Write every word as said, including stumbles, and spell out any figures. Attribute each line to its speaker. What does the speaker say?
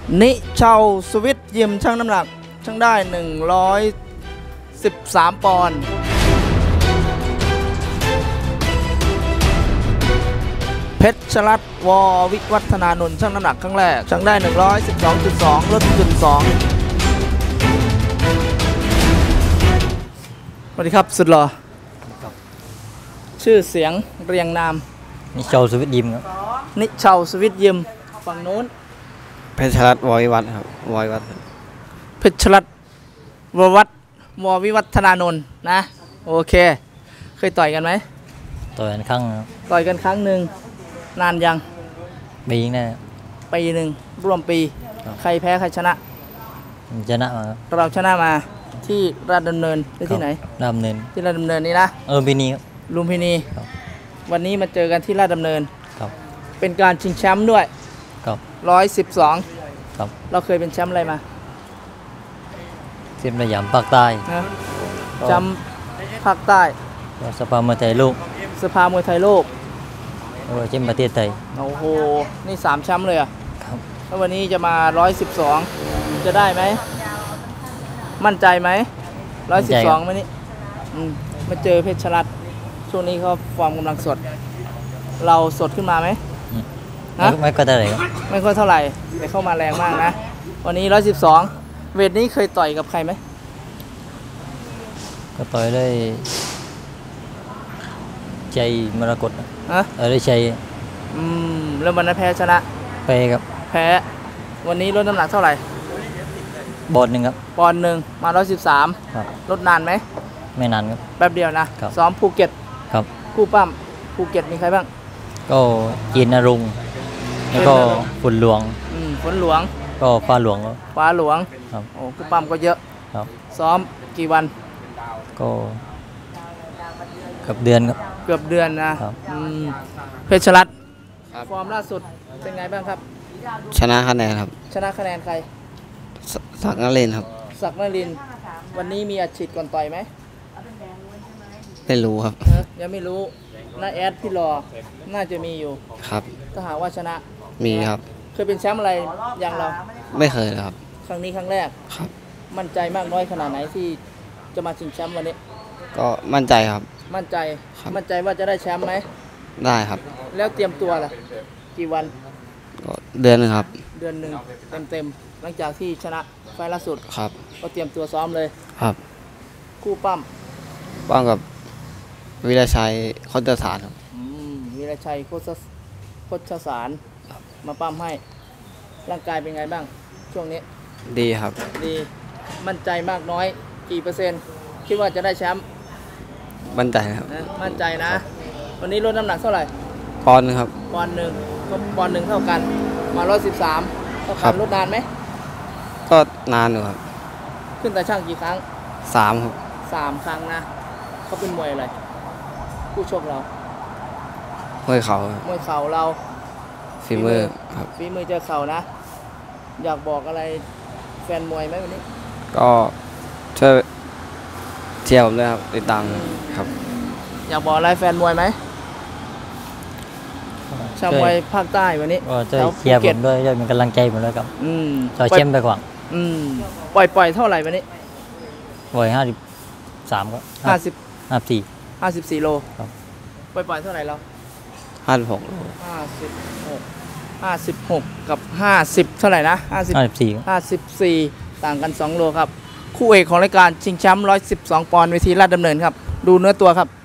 Speaker 1: นิชาวสวิตยิมช่างน้ำหนักช่างได้หนึ่งร้อยสิบสามปอนด์เพชรชลัดวอวิวัฒนานนท์ช่างน้ำหนักครั้งแรกช่างได้ หนึ่งร้อยสิบสองจุดสอง ลดจุดสองสวัสดีครับสุดหล่อชื่อเสียงเรียงนาม
Speaker 2: นิชาวสวิตยิมครับ
Speaker 1: นิชาวสวิตยิมฝั่งโน้น
Speaker 2: เพชรชลัดวอวิวัฒน์ครับวอวิวัฒน์
Speaker 1: เพชรชลัดววัฒน์วอวิวัฒนานนท์นะโอเคเคยต่อยกันไหม
Speaker 2: ต่อยกันครั้ง
Speaker 1: ต่อยกันครั้งหนึ่งนานยัง
Speaker 2: ปีนึงนะ
Speaker 1: ปีหนึ่งร่วมปีใครแพ้ใครชนะ
Speaker 2: ชนะมา
Speaker 1: เราชนะมาที่ราชดำเนินหรือที่ไหน
Speaker 2: ราชดำเนิน
Speaker 1: ที่ราชดำเนินนี่นะ
Speaker 2: เออปีนี้ครับ
Speaker 1: ลุมพินีวันนี้มาเจอกันที่ราชดำเนิน
Speaker 2: ครับ
Speaker 1: เป็นการชิงแชมป์ด้วย
Speaker 2: ครับ
Speaker 1: ร้อยสิบสอง
Speaker 2: ครับ
Speaker 1: เราเคยเป็นแชมป์อะไรมา
Speaker 2: เส้นสยามภาคใต้
Speaker 1: นะแชมป์ภาคใต้
Speaker 2: สภามวยไทยโลก
Speaker 1: สภามวยไทยโลก
Speaker 2: แล้วก็แชมป์ประเทศไทย
Speaker 1: โอ้โหนี่สามแชมป์เลยอ่ะ
Speaker 2: ครับ
Speaker 1: แล้ววันนี้จะมาร้อยสิบสองจะได้ไหมมั่นใจไหมร้อยสิบสองวันนี้มาเจอเพชรชลัดช่วงนี้เขาฟอร์มกำลังสดเราสดขึ้นมาไหม
Speaker 2: นะไม่ก็เท่าไหร่
Speaker 1: ไม่ค่อยเท่าไหร่แต่เข้ามาแรงมากนะวันนี้ร้อยสิบสองเวทนี้เคยต่อยกับใครไหม
Speaker 2: ก็ต่อยได้ใจมรกต
Speaker 1: อะ
Speaker 2: เออได้ใจ
Speaker 1: อืมแล้ววันนั้นแพ้ชนะ
Speaker 2: แพ้ครับ
Speaker 1: แพ้วันนี้ลดน้ำหนักเท่าไหร่
Speaker 2: บอลหนึ่งครับ
Speaker 1: ปอนด์หนึ่งมาร้อยสิบสามลดนานไหม
Speaker 2: ไม่นานครับ
Speaker 1: แป๊บเดียวนะซ้อมภูเก็ต
Speaker 2: ครับ
Speaker 1: คู่ปั้มภูเก็ตมีใครบ้าง
Speaker 2: ก็จีนนรงค์แล้วก็ฝนหลวง
Speaker 1: อืมฝนหลวง
Speaker 2: ก็ฟ้าหลวง
Speaker 1: ฟ้าหลวง
Speaker 2: ครับ
Speaker 1: โอ้คู่ปั้มก็เยอะ
Speaker 2: ครับ
Speaker 1: ซ้อมกี่วัน
Speaker 2: ก็เกือบเดือนครับ
Speaker 1: เกือบเดือนนะครับอืมเพชรชลัดฟอร์มล่าสุดเป็นไงบ้างครับ
Speaker 2: ชนะคะแนนครับ
Speaker 1: ชนะคะแนนใคร
Speaker 2: ศักดิ์นรินทร์ครับ
Speaker 1: ศักดิ์นรินทร์วันนี้มีอัดฉีดก่อนต่อยไหม
Speaker 2: ไม่รู้ครับ
Speaker 1: ยังไม่รู้น้าแอดพี่รอน่าจะมีอยู่
Speaker 2: ครับ
Speaker 1: ถ้าหากว่าชนะ
Speaker 2: มีครับ
Speaker 1: เคยเป็นแชมป์อะไรอย่างเรา
Speaker 2: ไม่เคยครับ
Speaker 1: ครั้งนี้ครั้งแรก
Speaker 2: ครับ
Speaker 1: มั่นใจมากน้อยขนาดไหนที่จะมาชิงแชมป์วันนี้
Speaker 2: ก็มั่นใจครับ
Speaker 1: มั่นใจมั่นใจว่าจะได้แชมป์ไหม
Speaker 2: ได้ครับ
Speaker 1: แล้วเตรียมตัวล่ะกี่วัน
Speaker 2: ก็เดือนนึงครับ
Speaker 1: เดือนหนึ่งเต็มเต็มหลังจากที่ชนะไฟล์ล่าสุด
Speaker 2: ครับ
Speaker 1: ก็เตรียมตัวซ้อมเลย
Speaker 2: ครับ
Speaker 1: คู่ปั้ม
Speaker 2: ปั้มกับวิรชัยโคตรสารครับ
Speaker 1: วิรชัยโคตรโคตรสารมาปั้มให้ร่างกายเป็นไงบ้างช่วงนี้
Speaker 2: ดีครับ
Speaker 1: ดีมั่นใจมากน้อยกี่เปอร์เซ็นต์คิดว่าจะได้แชมป์
Speaker 2: มั่นใจครับ
Speaker 1: มั่นใจนะวันนี้ลดน้ำหนักเท่าไหร่
Speaker 2: ปอนด์นึงครับ
Speaker 1: ปอนด์หนึ่งก็ปอนด์หนึ่งเท่ากันมาร้อยสิบสามเท่ากันลดนานไหม
Speaker 2: ก็นานอยู่ครับ
Speaker 1: ขึ้นแต่ช่างกี่ครั้ง
Speaker 2: สามครับ
Speaker 1: สามครั้งนะเขาเป็นมวยอะไรผู้ชกเรา
Speaker 2: มวยเข่าม
Speaker 1: วยเข่าเรา
Speaker 2: ฝีมือครับ
Speaker 1: ฝีมือเจอเข่านะอยากบอกอะไรแฟนมวยไหมวันนี้
Speaker 2: ก็ช่วยเชียร์ผมด้วยครับติดตามครับ
Speaker 1: อยากบอกอะไรแฟนมวยไหมชาวมวยภาคใต้วันนี้
Speaker 2: ก็ช่วยเชียร์ผมด้วยช่วยเป็นกำลังใจผมด้วยครับ
Speaker 1: อืม
Speaker 2: ช่วยเชียร์ไปก่อน
Speaker 1: อืมปล่อยปล่อยเท่าไหร่วันนี้
Speaker 2: ปล่อยห้าสิบสามก็
Speaker 1: ห้าสิบ
Speaker 2: ห้าสี่
Speaker 1: ห้าสิบสี่โล
Speaker 2: ครับ
Speaker 1: ปล่อยปล่อยเท่าไหร่เรา
Speaker 2: ห้าสิบหก
Speaker 1: ห้าสิบหกห้าสิบหกกับห้าสิบเท่าไหร่นะห้าสิบ
Speaker 2: ห้าสิบสี่
Speaker 1: ห้าสิบสี่ต่างกันสองโลครับคู่เอกของรายการชิงแชมป์ร้อยสิบสองปอนด์เวทีราชดำเนินครับดูเนื้อตัวครับ